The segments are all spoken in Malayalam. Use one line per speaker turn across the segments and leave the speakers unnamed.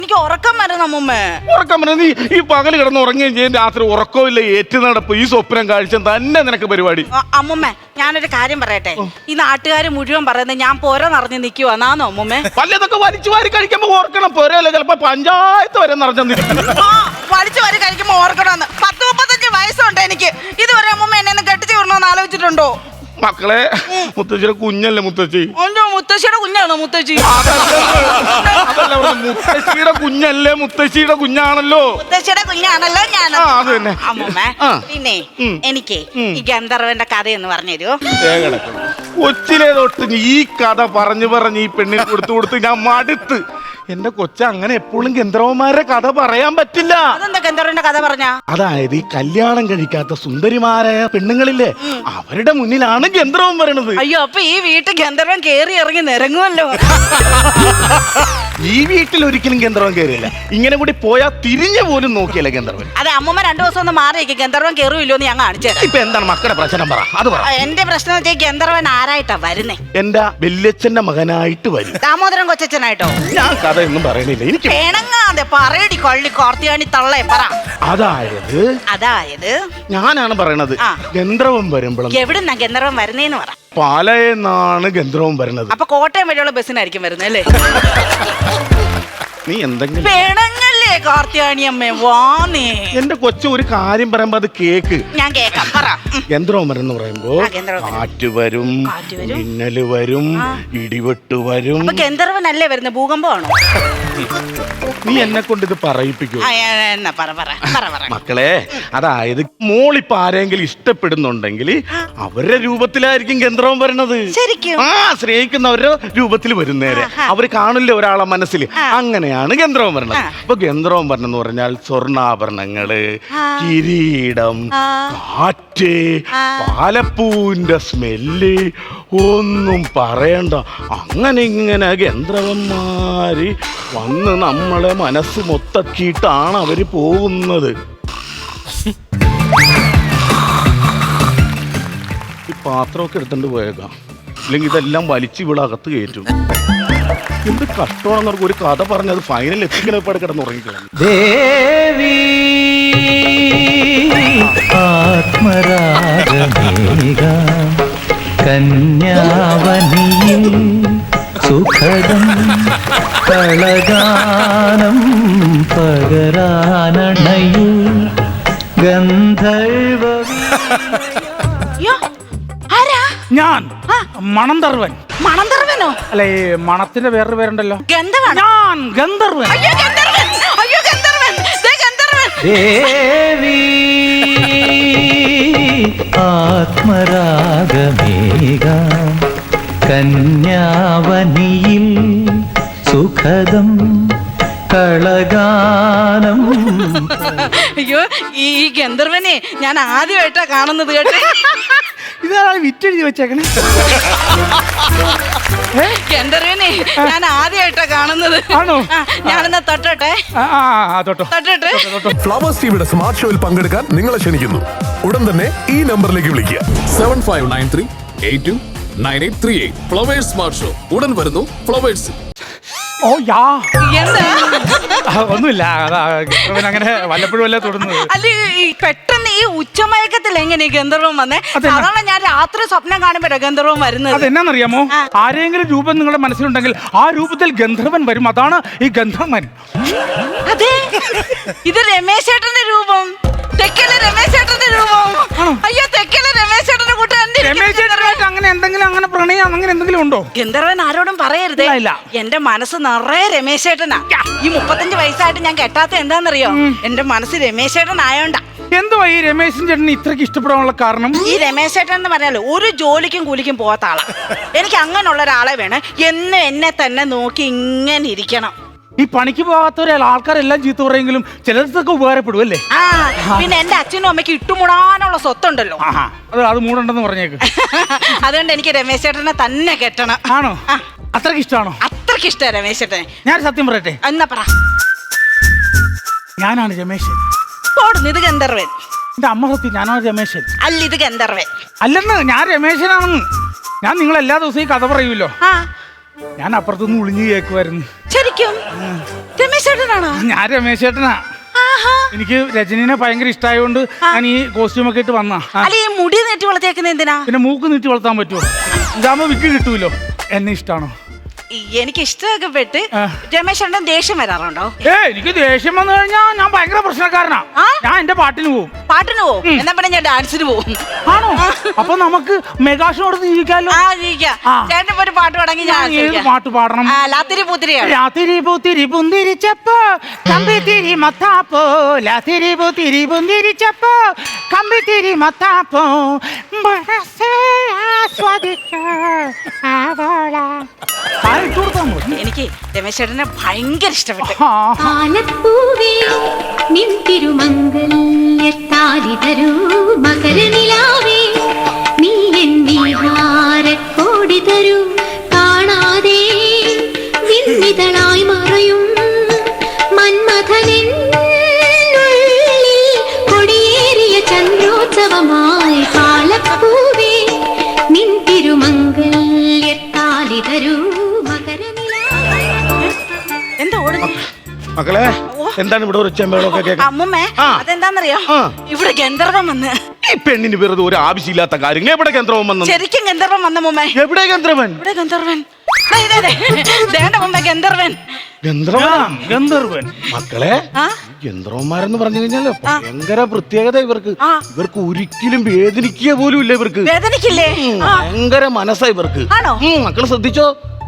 എനിക്ക് ഉറക്കം വരുന്നു അമ്മൂമ്മ.
ഉറക്കം വരുന്ന നീ ഈ പകല് കിടന്ന് ഉറങ്ങുകയും ചെയ്യും, രാത്രി ഉറക്കമില്ല, ഏറ്റുനടപ്പ്, ഈ സ്വപ്നം കാഴ്ച തന്നെ നിനക്ക് പരിപാടി.
അമ്മൂമ്മ ഞാനൊരു കാര്യം പറയട്ടെ, ഈ നാട്ടുകാർ മുഴുവൻ പറയുന്നത് ഞാൻ പോര നിറഞ്ഞു നിൽക്കുവാന്നാന്നോ അമ്മൂമ്മ?
പല്ലതൊക്കെ വലിച്ചു വാരി കഴിക്കുമ്പോ ഓർക്കണം, പോരല്ലേ ചിലപ്പോ പഞ്ചായത്ത് വരെ നിറഞ്ഞിരിക്കും.
വലിച്ചു വാരി കഴിക്കുമ്പോ ഓർക്കണമെന്ന്. 10-35 വയസ്സുണ്ട് എനിക്ക്. ഇതുവരെ അമ്മൂമ്മ എന്നെ കെട്ടിച്ചു വിടണമെന്ന് ആലോചിച്ചിട്ടുണ്ടോ?
മക്കളെ, മുത്തശ്ശിയുടെ കുഞ്ഞല്ലേ മുത്തശ്ശി?
മുത്തശ്ശിയുടെ കുഞ്ഞാണോ മുത്തശ്ശി?
അതല്ല, മുത്തശ്ശിയുടെ കുഞ്ഞല്ലേ, മുത്തശ്ശിയുടെ കുഞ്ഞാണല്ലോ.
മുത്തശ്ശിയുടെ കുഞ്ഞാണല്ലോ ഞാൻ. അമ്മൂമ്മ പിന്നെ എനിക്ക് ഈ ഗന്ധർവന്റെ കഥ എന്ന് പറഞ്ഞു തരുമോ?
കൊച്ചിലെ തൊട്ട് ഈ കഥ പറഞ്ഞു ഈ പെണ്ണിന് കൊടുത്ത് ഞാൻ മടുത്ത്. എന്റെ കൊച്ച അങ്ങനെ എപ്പോഴും ഗന്ധർവന്മാരുടെ കഥ പറയാൻ പറ്റില്ല.
അതെന്താ ഗന്ധർവന്റെ കഥ പറഞ്ഞ?
അതായത് ഈ കല്യാണം കഴിക്കാത്ത സുന്ദരിമാരായ പെണ്ണുങ്ങളില്ലേ, അവരുടെ മുന്നിലാണ് ഗന്ധർവൻ വരണത്.
അയ്യോ, അപ്പൊ ഈ വീട്ടിൽ ഗന്ധർവൻ കേറി ഇറങ്ങി നിരങ്ങുമല്ലോ.
ഈ വീട്ടിൽ ഒരിക്കലും ഗന്ധർവൻ കയറിയില്ല. ഇങ്ങനെ കൂടി പോയാ തിരിഞ്ഞു പോലും നോക്കിയല്ല ഗന്ധർവൻ.
അതെ, അമ്മൂമ്മ 2 ദിവസം ഒന്ന് മാറിയേക്ക്, ഗന്ധർവൻ കയറുമില്ലോ എന്ന് ഞാൻ കാണിച്ചു തരാം.
ഇപ്പൊ എന്താണ് മക്കളുടെ പ്രശ്നം? പറ, അത് പറ.
എന്റെ പ്രശ്നം വെച്ചാൽ ഗന്ധർവൻ ആരായിട്ടാ വരുന്നേ?
എന്റെ വല്യച്ഛന്റെ മകനായിട്ട് വരും.
ദാമോദരൻ കൊച്ചച്ഛനായിട്ടോ?
ഞാൻ കഥ ഒന്നും പറയണില്ല, എനിക്ക്
വേണങ്ങാതെ പറയടി കള്ളി കാർത്തിയാണി തള്ളേ പറ.
അതായത് ഞാനാണ് പറയണത്, ഗന്ധർവൻ വരുമ്പോഴും.
എവിടുന്നാ ഗന്ധർവൻ വരുന്നേന്ന് പറ.
പാലയെന്നാണ് ഗന്ധർവൻ വരുന്നത്.
അപ്പൊ കോട്ടയം വഴിയുള്ള ബസ്സിനായിരിക്കും വരുന്നത് അല്ലേ?
നീ എന്തെങ്കിലും
വേണങ്ങല്ലേ കാർത്തിയാണി അമ്മേ, വാന്നേ.
എന്റെ കൊച്ചു ഒരു കാര്യം പറയുമ്പോ അത് കേക്ക്.
ഞാൻ കേക്കാം, പറ.
ഗന്ധർവൻ എന്ന് പറയുമ്പോ കാറ്റ് വരും, മിന്നല് വരും, ഇടിവെട്ട് വരും.
ഗന്ധർവനല്ലേ വരുന്നത്? ഭൂകമ്പമാണോ?
നീ എന്നെ കൊണ്ട് ഇത് പറയിപ്പിക്കൂ.
മക്കളെ,
അതായത് മോളിപ്പോ ആരെങ്കിലും ഇഷ്ടപ്പെടുന്നുണ്ടെങ്കിൽ അവരുടെ രൂപത്തിലായിരിക്കും ഗന്ധർവൻ വരണത്.
ശരിക്കും?
സ്നേഹിക്കുന്നവരുടെ രൂപത്തിൽ വരുന്നേരെ അവര് കാണില്ല ഒരാളെ മനസ്സിൽ. അങ്ങനെയാണ് ഗന്ധർവൻ വരണത്. അപ്പൊ ഗന്ധർവൻ വരണെന്ന് പറഞ്ഞാൽ സ്വർണ്ണാഭരണങ്ങള്, കിരീടം, കാറ്റ്, പാലപ്പൂവിന്റെ സ്മെല്ല്, ഒന്നും പറയണ്ട. അങ്ങനെ ഇങ്ങനെ ഗന്ധർവന്മാര് വന്ന് നമ്മളെ മനസ്സ് മൊത്തക്കിയിട്ടാണ് അവര് പോകുന്നത്. ഈ പാത്രമൊക്കെ എടുത്തോണ്ട് പോയേക്കാം, അല്ലെങ്കിൽ ഇതെല്ലാം വലിച്ചു ഇവിടെ അകത്ത് കയറ്റും. എന്ത് കഷ്ടമാണെന്നവർക്ക് ഒരു കഥ പറഞ്ഞത് ഫൈനൽ എത്തിക്കലപ്പാട് കിടന്നുറങ്ങിക്കണം.
ദേവി ആത്മരാഗമേഘ കന്യാവനിയിൽ സുഖദം കളഗാനം പകരാനണയു ഗന്ധർവ.
ഞാൻ മണന്തർവൻ.
മണന്തർവനോ?
അല്ലെ, മണത്തിന്റെ വേറൊരു പേരുണ്ടല്ലോ.
ഞാൻ
ഗന്ധർവൻ.
ദേവി ആത്മരാഗമേഘ കന്യാവനിയിൽ സുഖദം കളഗാനം.
അയ്യോ, ഈ ഗന്ധർവനെ ഞാൻ ആദ്യമായിട്ടാ കാണുന്നത് കേട്ടോ.
ഇതാണ് വിറ്റെഴുതി വെച്ചേക്കണേ.
ഗന്ധർവനെ ഞാൻ ആദ്യമായിട്ടാ കാണുന്നത്.
ആണോ?
ഞാനെന്നാ തൊട്ടോട്ടെ.
ഫ്ലവേഴ്സ് ടിവിയുടെ സ്മാർട്ട് ഷോയിൽ പങ്കെടുക്കാൻ നിങ്ങളെ ക്ഷണിക്കുന്നു. ഉടൻ തന്നെ ഈ നമ്പറിലേക്ക് വിളിക്കുക.
7593829838. ഫ്ലവേഴ്സ് സ്മാർട്ട് ഷോ ഉടൻ വരുന്നു ഫ്ലവേഴ്സ്.
ഓ യാ,
എന്താ?
ഒന്നുമില്ല, അങ്ങനെ വല്ലപ്പോഴും അല്ലേ തൊടുന്നത്.
അല്ല, പെട്ടെന്ന് ഈ ഉച്ചമയക്കത്തിൽ എങ്ങനെ ഗന്ധർവൻ വന്നേ? സാധാരണ ഞാൻ രാത്രി സ്വപ്നം കാണുമ്പോഴാ ഗന്ധർവൻ വരുന്നത്.
അതെന്നാന്നറിയാമോ? ആരെങ്കിലും രൂപം നിങ്ങളുടെ മനസ്സിലുണ്ടെങ്കിൽ ആ രൂപത്തിൽ ഗന്ധർവൻ വരും. അതാണ് ഈ ഗന്ധർവൻ.
അതെ, ഇത് രമേശ് ചേട്ടന്റെ രൂപം. തെക്കലെ രമേശ് ചേട്ടന്റെ രൂപം. അയ്യോ, തെക്കലെ രമേശ് ചേട്ടന്റെ കൂട്ടം.
അങ്ങനെ എന്തെങ്കിലും, അങ്ങനെ പ്രണയം അങ്ങനെ എന്തെങ്കിലും ഉണ്ടോ?
ഗന്ധർവൻ ആരോടും പറയരുതേ. എന്റെ മനസ്സ് നിറയെ രമേശ് ചേട്ടനാ. ഈ 35 വയസ്സായിട്ട് ഞാൻ കെട്ടാത്ത എന്താന്നറിയോ? എന്റെ മനസ്സ് രമേശ് ചേട്ടൻ ആയോണ്ടാ.
എന്തുവാ ഈ രമേശൻ ചേട്ടന് ഇത്രക്ക് ഇഷ്ടപ്പെടാനുള്ള കാരണം?
ഈ രമേശ് ചേട്ടൻ എന്ന് പറഞ്ഞാല് ഒരു ജോലിക്കും കൂലിക്കും പോകാത്ത ആളാ. എനിക്ക് അങ്ങനെയുള്ള ഒരാളെ വേണം. എന്നും എന്നെ തന്നെ നോക്കി ഇങ്ങനെ ഇരിക്കണം.
ഈ പണിക്ക് പോകാത്തവരെ ആൾക്കാരെല്ലാം ചീത്ത പറയെങ്കിലും ചിലർക്കൊക്കെ ഉപകാരപ്പെടും അല്ലേ?
പിന്നെ എന്റെ അച്ഛനും അമ്മയ്ക്ക് ഇട്ടുമുടാനുള്ള സ്വത്തുണ്ടല്ലോ.
അത് മൂടുണ്ടെന്ന് പറഞ്ഞേക്ക്.
അതുകൊണ്ട് എനിക്ക് രമേശ് ചേട്ടനെ തന്നെ കെട്ടണം.
ആണോ? അത്രക്ക് ഇഷ്ടമാണോ?
അത്രക്ക് ഇഷ്ടമാണ് രമേശ് ചേട്ടനെ.
ഞാൻ സത്യം പറയട്ടെ?
എന്നാ പറ.
ഞാനാണ് രമേശൻ.
ഇത് ഗന്ധർവൻ.
എന്റെ അമ്മ സത്യം, ഞാനാണ് രമേശൻ.
അല്ല, ഇത് ഗന്ധർവൻ.
അല്ലെന്ന്, ഞാൻ രമേശനാണെന്ന്. ഞാൻ നിങ്ങൾ എല്ലാ ദിവസവും ഈ കഥ പറയൂല്ലോ. ഞാൻ അപ്പുറത്തുനിന്ന് ഒളിഞ്ഞു കേൾക്കുമായിരുന്നു.
ശരിക്കും? രമേശ് ചേട്ടനാണോ?
ഞാൻ രമേശ് ചേട്ടനാ.
ആഹാ.
എനിക്ക് രജനീനെ ഭയങ്കര ഇഷ്ടമായതുകൊണ്ട് ഞാൻ ഈ കോസ്റ്റ്യൂം ഒക്കെ ഇട്ട് വന്നാ.
അല്ല ഈ മുടി നീട്ടി വളർത്തിയേക്കുന്ന എന്തിനാ?
പിന്നെ മൂക്ക് നീട്ടി വളർത്താൻ പറ്റുമോ? ഇതാകുമ്പോ വിക്ക് കിട്ടൂലോ. എന്നെ ഇഷ്ടമാണോ?
എനിക്ക് ഇഷ്ടമൊക്കെ പെട്ട് രമേശേട്ടൻ ദേഷ്യം വരാറുണ്ടോ?
എനിക്ക് ദേഷ്യം വന്നു കഴിഞ്ഞാൽ ഞാൻ ഭയങ്കര പ്രശ്നക്കാരനാ. ഞാൻ എന്റെ പാട്ടിന് പോവും.
പാട്ടിന് പോവും? എന്നാ പിന്നെ ഞാൻ ഡാൻസിന് പോവും.
ആണോ? അപ്പൊ നമുക്ക് മെഗാഷോ എടുത്ത് ജീവിക്കാമല്ലോ.
ചേട്ടൻ ഒരു പാട്ട് പാടെങ്കിൽ ഞാൻ
ഏത് പാട്ട് പാടണം?
ലാത്തിരി പൂത്തിരിയാണ്.
രാത്തിരി പൂത്തിരി പുന്തിരിച്ചപ്പോ കമ്പിത്തിരി മത്താപ്പോ, ലാത്തിരി പൂത്തിരി പുന്തിരിച്ചപ്പോ കമ്പിത്തിരി മത്താപ്പോ മനസ്സേ ആസ്വദിക്കൂ ആവോള.
എനിക്ക് രമേശേട്ടനെ ഭയങ്കര ഇഷ്ടപ്പെട്ടു.
ആലപ്പൂവേ നിൻ തിരുമംഗല്യത്താലി തരൂ മകരനിലാവേ നീ എന്നീഹാരക്കോടി തരൂ കാണാതെ വിണ്ണിതളായി മറയും മന്മഥനുള്ളിൽ കൊടിയേറിയ ചന്ദ്രോത്സവമായി ആലപ്പൂവേ നിൻ തിരുമംഗല്യത്താലി തരൂ.
മക്കളെ എന്താണ് ഇവിടെ ഒരു ചെമ്പകളൊക്കെ കേൾക്കാം?
അമ്മമ്മേ അതെന്താന്നറിയോ? ഇവിടെ ഗന്ധർവം വന്ന്.
ഈ പെണ്ണിന് വെറുതെ ഒരു ആവശ്യമില്ലാത്ത കാര്യങ്ങൾ. എവിടെ ഗന്ധർവൻ വന്നു?
ശരിക്കും ഗന്ധർവൻ വന്ന മുമ്മേ.
എവിടെ ഗന്ധർവൻ?
ഇവിടെ ഗന്ധർവൻ. ഗന്ധർവൻ.
ഗന്ധർവൻ.
മക്കളെ ഗന്ധർവന്മാരെന്ന് പറഞ്ഞു കഴിഞ്ഞാല് ഭയങ്കര പ്രത്യേകത ഇവർക്ക്. ഇവർക്ക് ഒരിക്കലും വേദനിക്കുക പോലും ഇല്ല. ഇവർക്ക്
വേദനിക്കില്ലേ?
ഭയങ്കര മനസ്സാ ഇവർക്ക്.
ആണോ?
മക്കള് ശ്രദ്ധിച്ചോ?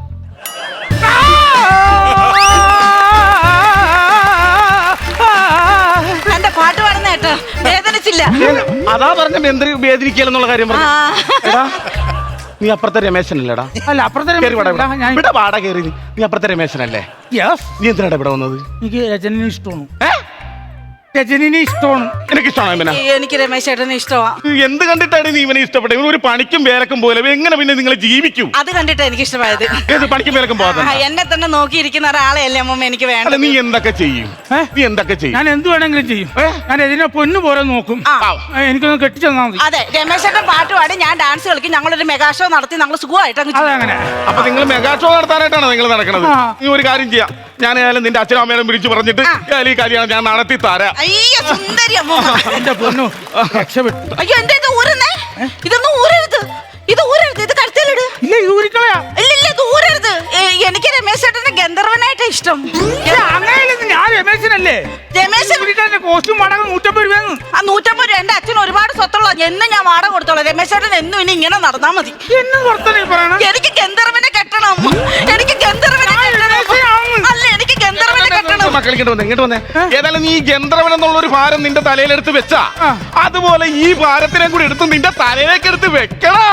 എന്റെ പാട്ട് പാടുന്ന കേട്ടോ വേദനിച്ചില്ല.
അതാ പറഞ്ഞ വേദനിക്കലെന്നുള്ള കാര്യം പറഞ്ഞു. നീ അപ്പുറത്തെ രമേശനല്ലേടാ?
അല്ല അപ്പുറത്തെ
ഇവിടെ പാടാ കയറി. നീ അപ്പുറത്തെ രമേശനല്ലേ? നീ എന്തിനാടാ ഇവിടെ വന്നത്?
എനിക്ക് രജനിനെ ഇഷ്ടമാണ്. രജനിനെ ഇഷ്ടമാണ്.
എനിക്ക് ഇഷ്ടമാണ്.
എനിക്ക് രമേശ് ചേട്ടനെ ഇഷ്ടമാ.
എന്ത് കണ്ടിട്ടാണ് നീ ഇവനെ ഇഷ്ടപ്പെട്ടത്? ഇവൻ ഒരു പണിക്കും വേലക്കും പോലെ എങ്ങനെ പിന്നെ നിങ്ങൾ ജീവിക്കും?
അത് കണ്ടിട്ടാ എനിക്ക് ഇഷ്ടമായത്.
ഏത് പണിക്കും വേലക്കും പോകാതെ
എന്നെ തന്നെ നോക്കിയിരിക്കുന്ന ഒരാളെയല്ലേ അമ്മ എനിക്ക് വേണ്ടത്.
നീ എന്തൊക്കെ ചെയ്യും? നീ എന്തൊക്കെ ചെയ്യും?
ഞാൻ എന്ത് വേണമെങ്കിലും ചെയ്യും. ഞാൻ രജനെ പൊന്നു പോലെ നോക്കും. എനിക്കൊന്ന് കെട്ടിച്ചു തന്നാ മതി.
അതെ രമേശ് ചേട്ടൻ പാട്ട് പാടി ഞാൻ ഡാൻസ് കളിക്കും. ഞങ്ങളൊരു മെഗാ ഷോ നടത്തി ഞങ്ങൾ സുഖമായിട്ട്
അതങ്ങനെ.
അപ്പൊ നിങ്ങൾ മെഗാ ഷോ നടത്താനായിട്ടാണ് നിങ്ങൾ നടക്കുന്നത്? നീ ഒരു കാര്യം ചെയ്യാം. ഞാൻ നിന്റെ അച്ഛനും അമ്മേനും വിളിച്ചു പറഞ്ഞിട്ട് ഈ കല്യാണം ഞാൻ നടത്തി തരാം.
അയ്യോ സുന്ദരി അമ്മ.
എന്റെ പൊന്നു രക്ഷപ്പെട്ടു.
അയ്യോ എന്താ ഇത് ഊരുന്നേ? ഇതൊന്നും ഊരരുത്. ഇത് ഊരരുത്. ഇത് കഴുത്തിലിട്.
ഇല്ല ഇത് ഊരിക്കളയാ.
ഇല്ല ഇത് ഊരരുത്. എനിക്ക് രമേശ് ചേട്ടനെ ഗന്ധർവനായിട്ട് ഇഷ്ടം.
അങ്ങനെയല്ലേ? ഞാൻ രമേശനല്ലേ?
രമേശ്
കോസ്റ്റ്യൂം വാടക 150 രൂപ.
ആ 150 രൂപ എന്റെ അച്ഛൻ ഒരുപാട് സ്വത്തുള്ള എന്നും ഞാൻ വാടക കൊടുത്തോളാം. രമേശ് ചേട്ടൻ എന്നും ഇനി ഇങ്ങനെ നടന്നാ മതി. എനിക്ക് ഗന്ധർവനെ കെട്ടണം. എനിക്ക് ഗന്ധർവനെ കെട്ടണം. അല്ല എനിക്ക് ഗന്ധർവനെ കെട്ടണം.
ഇങ്ങോട്ട് വന്നേ. ഏതായാലും നീ ഗന്ധർവൻ എന്നുള്ള ഒരു ഭാരം നിന്റെ തലയിലെടുത്ത് വെച്ചാ അതുപോലെ ഈ ഭാരത്തിനെ കൂടി എടുത്ത് നിന്റെ തലയിലേക്ക് എടുത്ത് വെക്കണോ?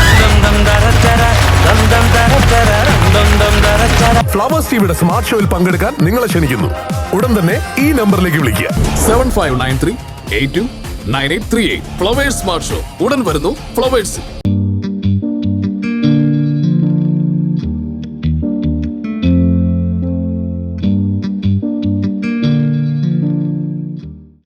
ഫ്ലവേഴ്സ് ടിവിയുടെ സ്മാർട്ട് ഷോയിൽ പങ്കെടുക്കാൻ നിങ്ങളെ ക്ഷണിക്കുന്നു. ഉടൻ തന്നെ ഈ നമ്പറിലേക്ക് വിളിക്കുക.
7593829838. ഫ്ലവേഴ്സ് സ്മാർട്ട് ഷോ ഉടൻ വരുന്നു ഫ്ലവേഴ്സ്.